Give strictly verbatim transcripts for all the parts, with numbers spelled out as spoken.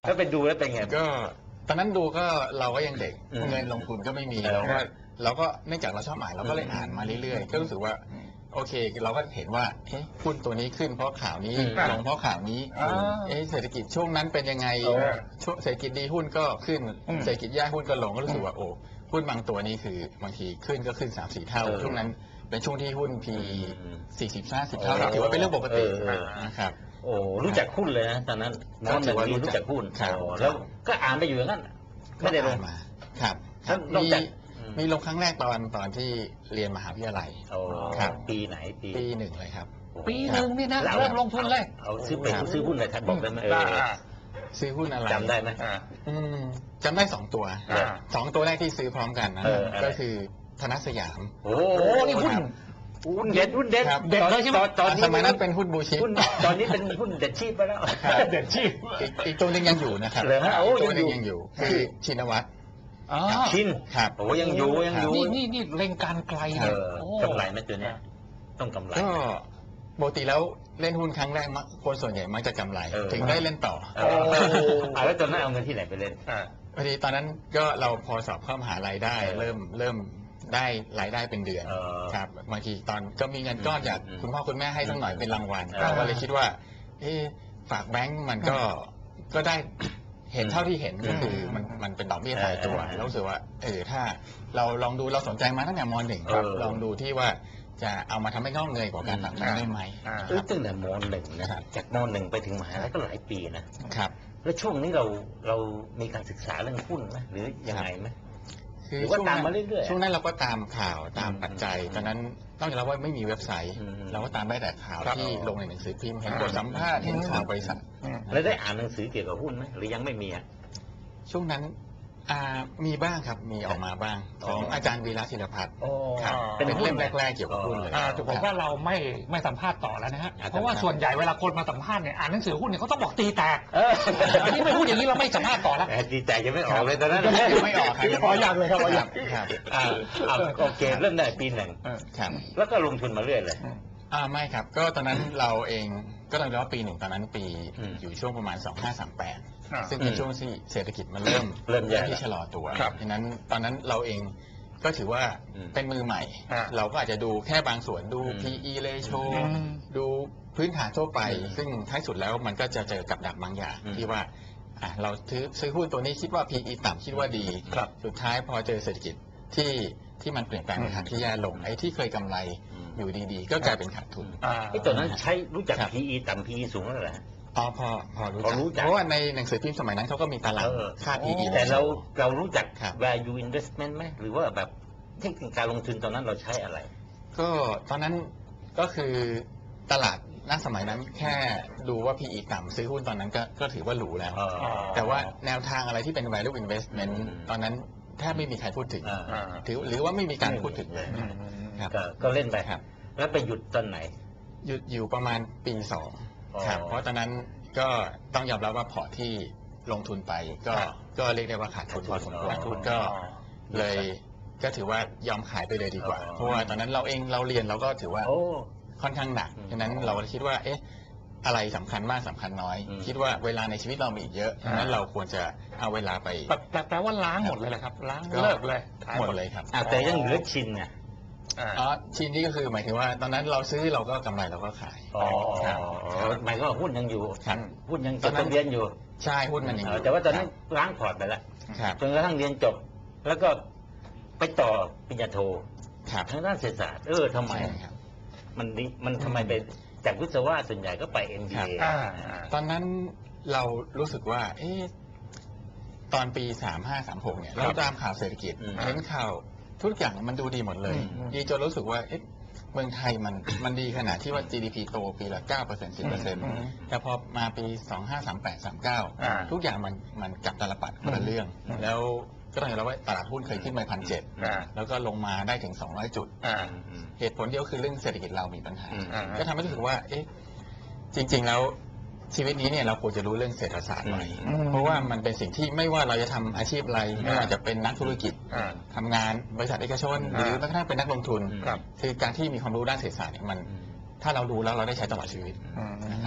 แล้วไปดูแล้วเป็นไงก็ตอนนั้นดูก็เราก็ยังเด็กเงินลงทุนก็ไม่มีเราก็เราก็เนื่องจากเราชอบอ่านเราก็เลยอ่านมาเรื่อยๆก็รู้สึกว่าโอเคเราก็เห็นว่าเฮ้ยหุ้นตัวนี้ขึ้นเพราะข่าวนี้ลงเพราะข่าวนี้เอ๊ะเศรษฐกิจช่วงนั้นเป็นยังไงช่วงเศรษฐกิจดีหุ้นก็ขึ้นเศรษฐกิจแย่หุ้นก็ลงก็รู้สึกว่าโอ้หุ้นบางตัวนี้คือบางทีขึ้นก็ขึ้น สามสี่ เท่าช่วงนั้นเป็นช่วงที่หุ้น พี สี่สิบ ห้าสิบ เท่าถือว่าเป็นเรื่องปกตินะครับโอ้รู้จักหุ้นเลยนะตอนนั้นน้องหนึ่งรู้จักหุ้นแล้วก็อ่านไปอยู่อย่างนั้นไม่ได้ลงมาครับมีมีลงครั้งแรกตอนตอนที่เรียนมหาวิทยาลัยครับปีไหนปีปีหนึ่งเลยครับปีหนึ่งนี่นะเริ่มลงทุนเลยเอาซื้อไปซื้อหุ้นอะไรท่านบอกได้ไหมซื้อหุ้นอะไรจำได้ไหมจำได้สองตัวสองตัวแรกที่ซื้อพร้อมกันนะก็คือธนสยามโอ้นี่หุ้นหุ้นเด็ดหุ้นเด็ดเด็ดเลยใช่ไหมตอนสมัยนั้นเป็นหุ้นบูชิปตอนนี้เป็นหุ้นเด็ดชีพไปแล้วเด็ดชีพอีกตัวนึงยังอยู่นะครับตัวนึงยังอยู่คือชินวัตรชินครับโอ้ยังอยู่ยังอยู่นี่นี่นี่เล็งการไกลเลยกำไรไหมตัวเนี้ยต้องกำไรก็ปกติแล้วเล่นหุ้นครั้งแรกคนส่วนใหญ่มักจะกำไรถึงได้เล่นต่อแล้วตอนนั้นเอาเงินที่ไหนไปเล่นพอดีตอนนั้นก็เราพอสอบเข้ามหาลัยได้เริ่มเริ่มได้รายได้เป็นเดือนครับบางทีตอนก็มีเงินก้อนจากคุณพ่อคุณแม่ให้สักหน่อยเป็นรางวัลก็เลยคิดว่าเอ๊ะฝากแบงก์มันก็ก็ได้เห็นเท่าที่เห็นก็คือมันมันเป็นดอกเบี้ยตายตัวแล้วรู้สึกว่าเออถ้าเราลองดูเราสนใจมาตั้งแต่ม.หนึ่งลองดูที่ว่าจะเอามาทำให้งอกเงยกว่าการฝากแบงก์ได้ไหมตั้งแต่ม.หนึ่งนะครับจากม.หนึ่งไปถึงมหาลัยก็หลายปีนะครับแล้วช่วงนี้เราเรามีการศึกษาเรื่องหุ้นไหมหรือยังไงไหมคือช่วงนั้นช่วงนั้นเราก็ตามข่าวตามปัจจัยตอนนั้นต้องยอมรับว่าไม่มีเว็บไซต์เราก็ตามได้แต่ข่าวที่ลงในหนังสือพิมพ์เห็นบทสัมภาษณ์เห็นข่าวบริษัทแล้วได้อ่านหนังสือเกี่ยวกับหุ้นไหมหรือยังไม่มีอ่ะช่วงนั้นมีบ้างครับมีออกมาบ้างของอาจารย์วีระศิลพัฒน์เป็นเล่มแรกๆเกี่ยวกับหุ้นเลยถูกบอกว่าเราไม่ไม่สัมภาษณ์ต่อแล้วนะฮะเพราะว่าส่วนใหญ่เวลาคนมาสัมภาษณ์เนี่ยอ่านหนังสือหุ้นเนี่ยเขาต้องบอกตีแตกอันนี้ไม่พูดอย่างนี้เราไม่สัมภาษณ์ต่อแล้วตีแตกยังไม่ออกเลยตอนนั้นไม่ออกครับพออยากเลยครับพออยากครับโอเคเริ่มได้ปีหนึ่งครับแล้วก็ลงทุนมาเรื่อยเลยอ่าไม่ครับก็ตอนนั้นเราเองก็ต้องเรียกว่าปีหนึ่งตอนนั้นปีอยู่ช่วงประมาณสองพันห้าร้อยสามสิบแปดซึ่งเป็นช่วงที่เศรษฐกิจมันเริ่มเริ่มที่ชะลอตัวดังนั้นตอนนั้นเราเองก็ถือว่าเป็นมือใหม่เราก็อาจจะดูแค่บางส่วนดู พี อี ratio ดูพื้นฐานทั่วไปซึ่งท้ายสุดแล้วมันก็จะเจอกับดักบางอย่างที่ว่าเราซื้อซื้อหุ้นตัวนี้คิดว่า พี อี ต่ำคิดว่าดีสุดท้ายพอเจอเศรษฐกิจที่ที่มันเปลี่ยนแปลงในทางที่แย่ลงไอ้ที่เคยกำไรอยู่ดีๆก็กลายเป็นขาดทุนไอ้ตัวนั้นใช้รู้จัก พี อี ต่ำ พี อี สูงแล้วเหรออ๋อพอพอรู้จักเพราะว่าในหนังสือพิมพ์สมัยนั้นเขาก็มีตารางค่า พี อีแต่เราเรารู้จัก value investment ไหมหรือว่าแบบเทคนิคการลงทุนตอนนั้นเราใช้อะไรก็ตอนนั้นก็คือตลาดณสมัยนั้นแค่ดูว่า พี อี ต่ำซื้อหุ้นตอนนั้นก็ก็ถือว่าหรูแล้วแต่ว่าแนวทางอะไรที่เป็น value investment ตอนนั้นแทบไม่มีใครพูดถึงถือหรือว่าไม่มีการพูดถึงเลยครับก็เล่นไปครับแล้วไปหยุดตอนไหนหยุดอยู่ประมาณปีสองครับเพราะตอนนั้นก็ต้องยอมรับว่าพอร์ตที่ลงทุนไปก็ก็เรียกได้ว่าขาดทุนพอสมควรทุนก็เลยก็ถือว่ายอมขายไปเลยดีกว่าเพราะว่าตอนนั้นเราเองเราเรียนเราก็ถือว่าค่อนข้างหนักฉะนั้นเราคิดว่าเอ๊ะอะไรสำคัญมากสำคัญน้อยคิดว่าเวลาในชีวิตเรามีอีกเยอะฉะนั้นเราควรจะเอาเวลาไปแปลว่าล้างหมดเลยแหละครับล้างเลิกเลยหมดเลยครับแต่ยังเหลือชินไงอ๋อชิ้นนี้ก็คือหมายถึงว่าตอนนั้นเราซื้อเราก็กำไรเราก็ขายอ๋อหมายก็หุ้นยังอยู่หุ้นยังจดทะเบียนอยู่ใช่หุ้นมันยังอยู่แต่ว่าตอนนั้นล้างพอร์ตไปแล้วจนกระทั่งเรียนจบแล้วก็ไปต่อปริญญาโททางด้านเศรษฐศาสตร์เออทำไมมันมันทำไมไปจากวิศวะส่วนใหญ่ก็ไป เอ็ม บี เอตอนนั้นเรารู้สึกว่าเอ๊ะตอนปีสามห้าสามหกเนี่ยเราตามข่าวเศรษฐกิจเห็นข่าวทุกอย่างมันดูดีหมดเลยดีจนรู้สึกว่าเอ๊ะเมืองไทยมันมันดีขนาดที่ว่า จี ดี พี โตปีละ เก้าเปอร์เซ็นต์ สิบเปอร์เซ็นต์ แต่พอมาปีสองห้าสามแปด สามเก้าทุกอย่างมันมันกลับตลปัดคนละเรื่องแล้วก็ต้องยอมรับว่าตลาดหุ้นเคยขึ้นไปพันเจ็ดแล้วก็ลงมาได้ถึงสองร้อยจุดเหตุผลเดียวคือเรื่องเศรษฐกิจเรามีปัญหาก็ทำให้รู้สึกว่าเอ๊ะจริงๆแล้วชีวิตนี้เนี่ยเราควรจะรู้เรื่องเศรษฐศาสตร์หน่อยเพราะว่ามันเป็นสิ่งที่ไม่ว่าเราจะทำอาชีพอะไรไม่ว่าจะเป็นนักธุรกิจทำงานบริษัทเอกชนหรือแม้กระทั่งเป็นนักลงทุนคือการที่มีความรู้ด้านเศรษฐศาสตร์เนี่ยมันถ้าเรารู้แล้วเราได้ใช้ตลอดชีวิตนะครับ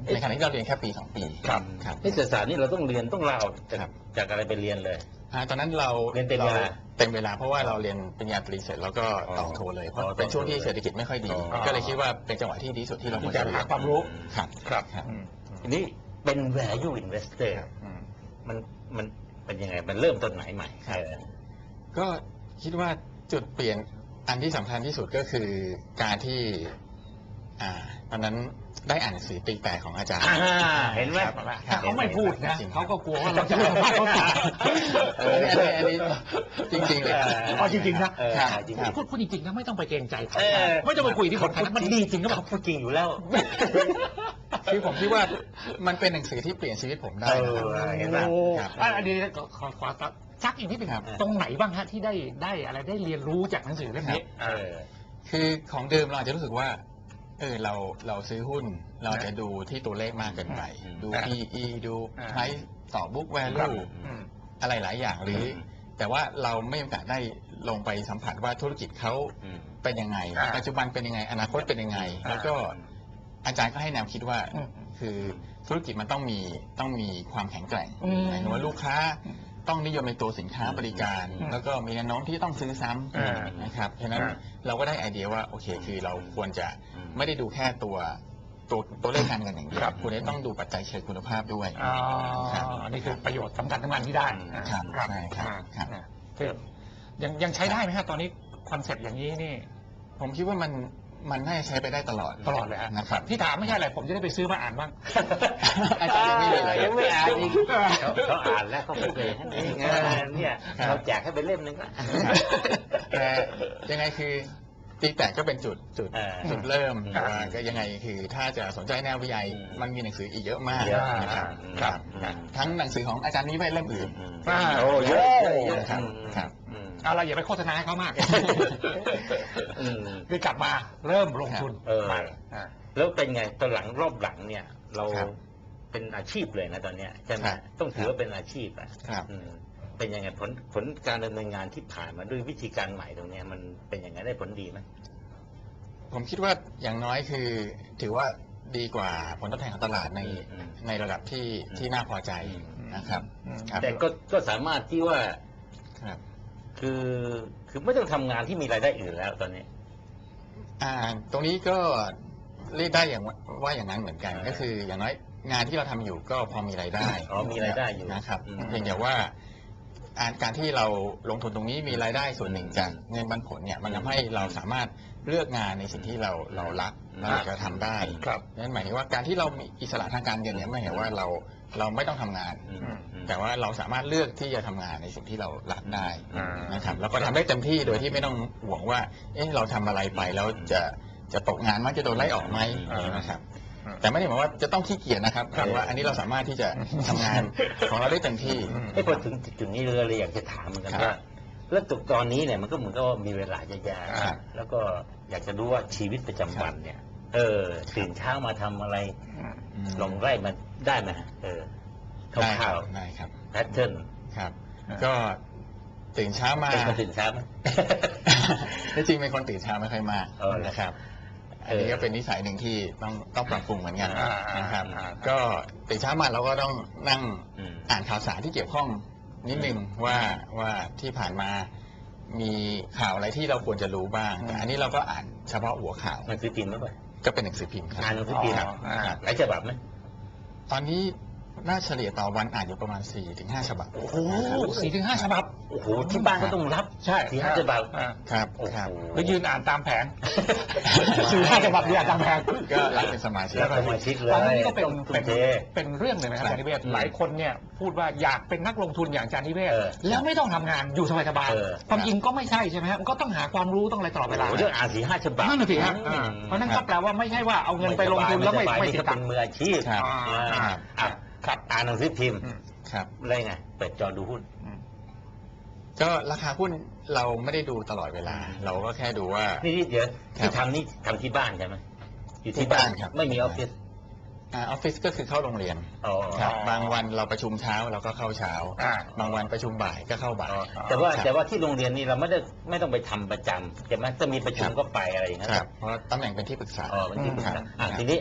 ในขณะที่เราเรียนแค่ปีสองปีครับครับนี่เศรษฐศาสตร์นี่เราต้องเรียนต้องลาออกจากครับจากอะไรไปเรียนเลยอ่าตอนนั้นเราเรียนเต็มเวลาเต็มเวลาเพราะว่าเราเรียนปริญญาตรีเสร็จแล้วก็อ๋อต่อโทเลยเพราะอ๋อเป็นช่วงที่ต่อโทเลยเศรษฐกิจไม่ค่อยดีอ๋อก็เลยคิดว่าเป็นจังหวะที่ดีสุดที่เราควรที่จะจะเรีหายนความรู้ครับครับครับอืมทีนี้เป็น value investor ครับอืมมันมันเป็นยังไงมันเริ่มต้นไหนใหม่ครับเออก็คิดว่าจุดเปลี่ยนอันที่สำคัญที่สุดก็คือการที่อ่าตอนนั้นได้อ่านหนังสือตีแตกของอาจารย์อ่าเห็นไหมครับถ้าเขาไม่พูดนะจริงๆเขาก็กลัวว่าเราจะไม่สัมภาษณ์เขาต่อเอออันนี้อันนี้จริงๆเลยอ๋อจริงๆนะเออครับจริงครับพูดพูดจริงๆนะไม่ต้องไปเกรงใจเขาเออไม่ต้องไปคุยที่คนนั้นมันดีจริงก็แบบเขาพูดจริงอยู่แล้วคือผมคิดว่ามันเป็นหนังสือที่เปลี่ยนชีวิตผมได้นะเออเห็นไหมโอ้ครับอ่ะอันนี้ขอขอขอซักอีกนิดนึงครับตรงไหนบ้างฮะที่ได้ได้อะไรได้เรียนรู้จากหนังสือเล่มนี้เออคือของเดิมเราอาจจะรู้สึกว่าเออเราเราซื้อหุ้น เราจะดูที่ตัวเลขมากเกินไปอืมดูอ่าพี อี ดูอ่า price ต่อ book ครับ value อืมอะไรหลายอย่างหรืออืมแต่ว่าเราไม่มีโอกาสได้ลงไปสัมผัสว่าธุรกิจเขาอืมเป็นยังไงอ่าปัจจุบันเป็นยังไง อนาคตเป็นยังไงอ่าแล้วก็อาจารย์ก็ให้แนวคิดว่าอืมคือธุรกิจมันต้องมีต้องมีความแข็งแกร่งอืมหมายถึงว่าลูกค้าต้องนิยมในตัวสินค้าบริการอืมแล้วก็มีแนวโน้มที่ต้องซื้อซ้อ่าำนะครับฉะนั้นอ่าเราก็ได้ไอเดียว่าโอเคคือเราควรจะอืมไม่ได้ดูแค่ตัวตัวตัวเลขการเงินอย่างเดียครัวบคุณจะต้องดูปัจจัยเชิงคุณภาพด้วยอ๋อครับนี่คือประโยชน์สำคัญทั้งนั้นที่ได้ครับครับใช่ครับอ่าครับอ่าคือยังยังใช้ได้ไหมฮะตอนนี้คอนเซ็ปต์อย่างนี้นี่ผมคิดว่ามันมันน่าจะใช้ไปได้ตลอดตลอดเลยฮะนะครับที่ถามไม่ใช่อะไรผมจะได้ไปซื้อมาอ่านบ้างอาจารย์ยังไม่มีเลยยังไม่อ่านอีกเขาเขาอ่านแล้วเขาพูดเลยนี่ไงเนี่ยครับเราแจกให้เป็นเล่มหนึงละแต่ยังไงคือตีแตกก็เป็นจุดจุดเออจุดเริ่มอืมแต่ว่าก็ยังไงคือถ้าจะสนใจแนววิทยาอืมมันมีหนังสืออีกเยอะมากเยอะนะครับอืมครับอืมทั้งหนังสือของอาจารย์นี้ไปเล่มอื่นอืมอ่าโอ้เยอะเยอะเยอะครับอืมครับอืมเอาเราอย่าไปโฆษณาให้เขามากอืมคือกลับมาเริ่มลงทุนเออใหม่อ่าแล้วเป็นไงตอนหลังรอบหลังเนี่ย เราครับเป็นอาชีพเลยนะตอนเนี้ยใช่ไหมครับต้องถือว่าเป็นอาชีพอ่ะครับอืมเป็นยังไงผลผลการดำเนินงานที่ผ่านมาด้วยวิธีการใหม่ตรงเนี้ยมันเป็นยังไงได้ผลดีไหมผมคิดว่าอย่างน้อยคือถือว่าดีกว่าผลตอบแทนของตลาดในอืมในระดับที่อืมที่น่าพอใจอืมนะครับอืมครับแต่ก็ก็สามารถที่ว่าครับคือคือไม่ต้องทำงานที่มีรายได้อื่นแล้วตอนนี้อ่าตรงนี้ก็เรียกได้อย่างว่าว่าอย่างนั้นเหมือนกันอ่าก็คืออย่างน้อยงานที่เราทำอยู่ก็พอมีรายได้อ๋อมีรายได้อยู่นะครับอืมเพียงแต่ว่าอ่าการที่เราลงทุนตรงนี้มีรายได้ส่วนหนึ่งจากเงินปันผลเนี่ยมันทำให้เราสามารถเลือกงานในสิ่งที่เราเรารักอืมเราจะทำได้ครับนั่นหมายถึงว่าการที่เรามีอิสระทางการเงินเนี่ยไม่เห็นว่าเราเราไม่ต้องทำงานอืมอืมแต่ว่าเราสามารถเลือกที่จะทำงานในสิ่งที่เรารักได้อ่านนะครับแล้วก็ทำได้เต็มที่โดยที่ไม่ต้องห่วงว่า เอ๊ะเราทำอะไรไปแล้วจะจะตกงานมั้ยจะโดนไล่ออกไหมอ่านะครับ แต่ไม่ได้หมายว่าจะต้องขี้เกียจนะครับครับแต่ว่าอันนี้เราสามารถที่จะทำงานของเราได้เต็มที่ไอ้พอถึงจุดนี้เราเลยอยากจะถามเหมือนกันครับว่า แล้วตตอนนี้เนี่ยมันก็เหมือนกับว่ามีเวลาเยอะแยะครับแล้วก็อยากจะรู้ว่าชีวิตประจำวันเนี่ย เออตื่นเช้ามาทำอะไรอืมลองไล่มาได้ไหมฮะเออคได้คร่ารัวบได้ครับๆแพทเทิร์นครับอ่าก็ตื่นเช้ามาเป็นคนตื่นเช้าไหมที่จริงเป็นคนตื่นเช้าไม่ค่อยมากเออนะครับเออันอนี้ก็เป็นนิสัยหนึ่งที่ต้องต้องปรับปรุงเหมือนกันอ่านะครับอ่าก็ตื่นเช้ามาเราก็ต้องนั่งอืมอ่านข่าวสารที่เกี่ยวข้องนิดนึงว่าว่าที่ผ่านมามีข่าวอะไรที่เราควรจะรู้บ้าง แต่อันนี้เราก็อ่านเฉพาะหัวข่าวหนังสือพิมพ์ไหมป่ะก็เป็นหนังสือพิมพ์ครับอ่านหนังสือพิมพ์ครับอ่าครับหลายฉบับไหมตอนนี้น่าเฉลี่ยต่อวันอ่านอยู่ประมาณ สี่ถึงห้า ฉบับโอ้โหสี่ถึงห้าฉบับโอ้โหที่บ้านก็ต้องรับใช่สี่ห้าฉบับอ่าครับโอ้โหครับแล้วยืนอ่านตามแผง สี่ห้าฉบับยืนอ่านตามแผงก็รับเป็นสมาชิกรับสมาชิกเลยตอนนี้ก็เป็นต้องทุ่เป็มนเทเป็นเรื่องเลยนะครับครับอาจารย์นิเวศอืมหลายคนเนี่ยพูดว่าอยากเป็นนักลงทุนอย่างอาจารย์นิเวศเออแล้วไม่ต้องทำงานอยู่สบายเออๆความจริงก็ไม่ใช่ใช่ไหมครับมันก็ต้องหาความรู้ต้องอะไรตลอดเวลาโอ้โหเรื่องอ่านสี่ห้าฉบับนั่นน่ะสิครับอืมเพราะฉะนั้นก็แปลว่าไม่ใช่ว่าเอาเงินไปลงทุนแล้วไม่สบายไม่นี่ติก็ดตัเป็งนค์มืออาชีพครับอ่าครับอ่ะครับอ่านหนังสือพิมพ์อืมครับอะไรไงเปิดจอดูหุ้นก็ราคาหุ้นเราไม่ได้ดูตลอดเวลา เราก็แค่ดูว่านี่นี่เดี๋ยวครับที่ทำนี่ทำที่บ้านใช่ไหมอยู่ที่ที่บ้านบ้านครับไม่มีออฟฟิศอาออฟฟิศก็คือเข้าโรงเรียนอ๋อครับบางวันเราประชุมเช้าเราก็เข้าเช้าอ่าบางวันประชุมบ่ายก็เข้าบ่ายอ๋อแต่ว่าครับแต่ว่าที่โรงเรียนนี่เราไม่ได้ไม่ต้องไปทำประจำใช่ไหมถ้ามีประชุมครับก็ไปอะไรอย่างเงี้ยครับเพราะตำแหน่งเป็นที่ปรึกษาอ๋อเป็นที่ปรึกษาครับอ่ะครับทีนี้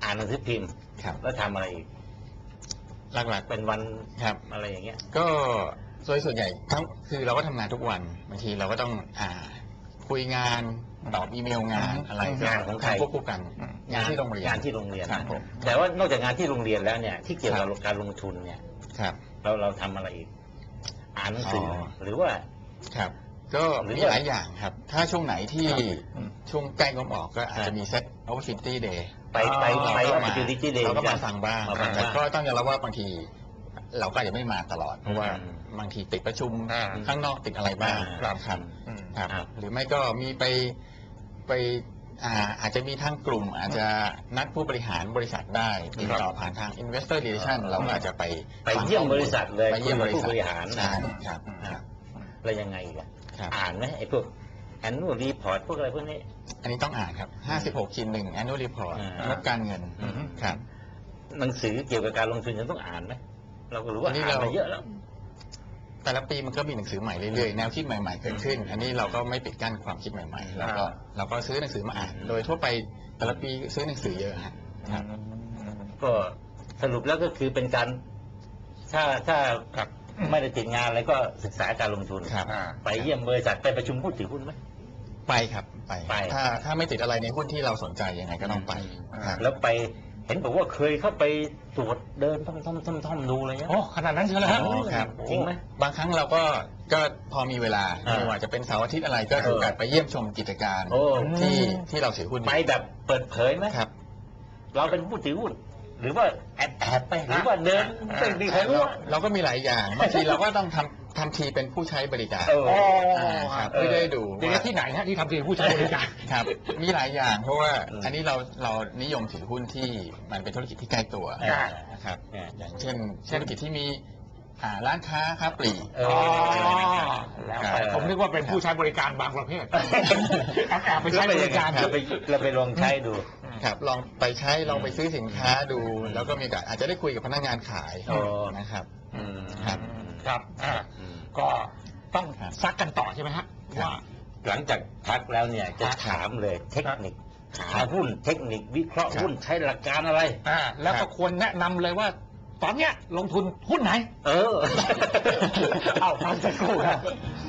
อ่านหนังสือพิมพ์ครับแล้วทำอะไรอีกหลักๆเป็นวันครับอะไรอย่างเงี้ยก็โดยส่วนใหญ่ทั้งคือเราก็ทำงานทุกวันบางทีเราก็ต้องอ่าคุยงานตอบอีเมลงานอะไรก็งานของใครทำควบคู่กันงานที่โรงเรียนงานที่โรงเรียนครับผมแต่ว่านอกจากงานที่โรงเรียนแล้วเนี่ยที่เกี่ยวกับครับการลงทุนเนี่ยครับเราเราทำอะไรอีก อ่านหนังสือออหรือว่าครับ ก็หรือมีว่าหลายอย่างครับ ถ้าช่วงไหนที่ครับช่วงใกล้งบออกก็อาจจะมีเซ็ต opportunity day ไปไปอ๋อไปเราก็อมา opportunity day เราก็มาฟังบ้างมาฟังแต่บ้างก็ต้องยอมรับว่าบางที เราก็อาจจะไม่มาตลอด เพราะว่าอืมบางทีติดประชุมอ่าข้างนอกติดอะไรบ้างอ่าครับอืมครับครับหรือไม่ก็มีไปไปอ่าอาจจะมีทางกลุ่ม อาจจะนัดผู้บริหารบริษัทได้ติดต่อผ่านทาง investor relation เราก็อาจจะไปไปฟังเยี่ยมข้อลบริษัทเลยไปเยี่ยมบริษัทผู้บริหารใช่ครับครับแล้วยังไงอีกอะครับอ่านไหมไอ้พวก annual report พวกอะไรพวกนี้อันนี้ต้องอ่านครับ ห้าสิบหกขีดหนึ่ง annual report อ่างบการเงินอืมครับหนังสือเกี่ยวกับการลงทุนจะต้องอ่านไหมเราก็รู้ว่าอันนี้อ่านเรามาเยอะแล้วแต่ละปีมันก็มีหนังสือใหม่เรื่อยๆ แนวคิดใหม่ๆ เกิดขึ้น อันนี้เราก็ไม่ปิดกั้นความคิดใหม่ๆ เราก็เราก็ซื้อหนังสือมาอ่าน โดยทั่วไปแต่ละปีซื้อหนังสือเยอะฮะครับก็สรุปแล้วก็คือเป็นการ ถ้าถ้าครับไม่ได้ติดงานอะไรก็ศึกษาการลงทุนครับอ่าไปเยี่ยมบริษัทไปประชุมผู้ถือหุ้นไหมไปครับไปไปถ้าถ้าไม่ติดอะไรในหุ้นที่เราสนใจยังไงก็ต้องไปครับแล้วไปเห็นบอกว่าเคยเข้าไปตรวจเดินท่อมท่อมท่อมท่อมดูเลยนะโอ้ขนาดนั้นเชียวเหรอฮะอ๋อครับจริงไหมบางครั้งเราก็ก็พอมีเวลาอ่าไม่ว่าจะเป็นเสาร์อาทิตย์อะไรก็เออถือโอกาสไปเยี่ยมชมกิจการโอ้ที่ที่เราถือหุ้นอยู่ไปแบบเปิดเผยไหมครับเราเป็นผู้ถือหุ้นหรือว่าแอบแอบไปหรือว่าเดินไม่มีใครรู้เราอะเราก็มีหลายอย่างบางทีเราก็ต้องทำทำทีเป็นผู้ใช้บริการเอออ่าครับเออเพื่อได้ดูเดี๋ยวว่าที่ไหนฮะที่ทำทีผู้ใช้บริการครับ มีหลายอย่างเพราะว่าอืมอันนี้เราเรานิยมถือหุ้นที่มันเป็นธุรกิจที่ใกล้ตัวอ่านะครับอ่าอย่างเช่นธุรกิจที่มีอ่าร้านค้าค้าปลีกเอออ๋อแล้วไปผมนึกว่าเป็นผู้ใช้บริการบางประเภทแอบแอบไปใช้บริการเราไปเราไปลองใช้ดูครับลองไปใช้ลองไปซื้อสินค้าดูอืมแล้วก็มีโอกาสอาจจะได้คุยกับพนักงานขายอ๋อนะครับอืมครับครับอ่าอืมก็ต้องครับซักกันต่อใช่ไหมฮะครับว่าหลังจากพักแล้วเนี่ยจะถามเลยเทคนิคหาหุ้นเทคนิควิเคราะห์ครับหุ้นใช้หลักการอะไรอ่าแล้วก็ควรแนะนำเลยว่า ตอนเนี้ยลงทุนหุ้นไหนเออเอาฟังสักครู่ครับ